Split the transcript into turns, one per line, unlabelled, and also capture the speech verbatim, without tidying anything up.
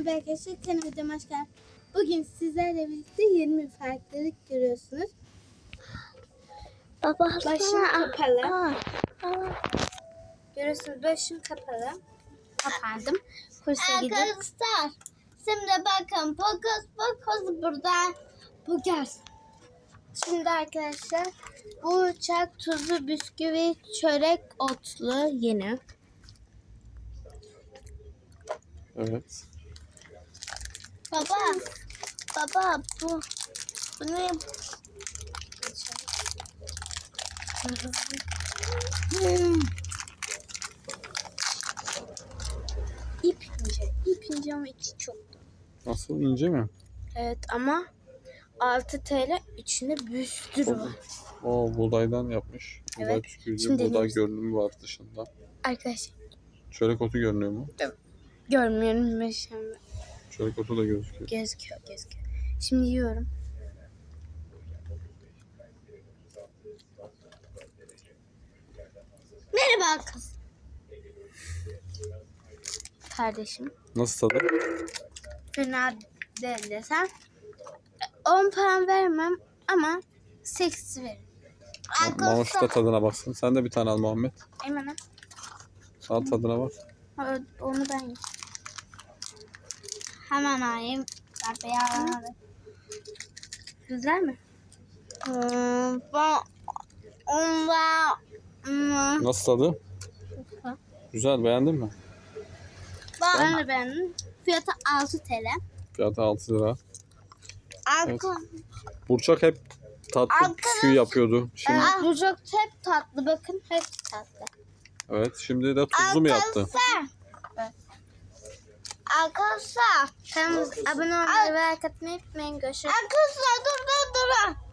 Merhaba arkadaşlar, kanalıma videoma hoş geldiniz. Bugün sizlerle birlikte yirmi farklılık görüyorsunuz.
Baba
Başım kapalı.
Aa, aa.
Görüyorsunuz, başım kapalı. Kapandım. Kursa gidip.
Arkadaşlar şimdi bakın Pokus Pokus burada.
Bu gelsin. Şimdi arkadaşlar bu uçak tuzlu bisküvi çörek otlu yeni.
Evet.
Baba baba bu bu ne?
Hmm. İp ince. İp ince ama içi çok.
Nasıl, ince mi?
Evet ama altı TL içinde bir sürü var.
O buğdaydan yapmış. Buğday
Evet.
püskürücü,
Şimdi
buğday
deniyoruz.
görünümü var dışında.
Arkadaşlar
Çörek otu görünüyor mu?
görmüyorum ben şimdi.
Çörek otu da gözüküyor.
Gözüküyor gözüküyor. Şimdi yiyorum.
Merhaba kız.
Kardeşim.
Nasıl tadı?
Fena değil desem. on puan vermem ama sekiz veririm.
Mamuş da tadına baksın. Sen de bir tane al Muhammed.
Eymen
Al tadına bak.
ha, onu ben yiyeyim.
Hemen alayım. Baba.
Güzel mi?
Hmm, ben onda hmm,
Nasıl tadı? Güzel, beğendin mi?
ben
Ben de beğendim. Fiyatı altı TL.
Fiyatı altı lira.
arka
Burçak hep tatlı
Arkadaş-
bisküvi yapıyordu. Şimdi,
Evet, bu çok hep tatlı. Bakın hep tatlı.
evet, şimdi de tuzlu mu yaptı?
arkadaşlar. Arkadaşlar.
Kanalımıza abone olmayı ve like atmayı unutmayın. Görüşürüz.
Arkadaşlar dur dur dur.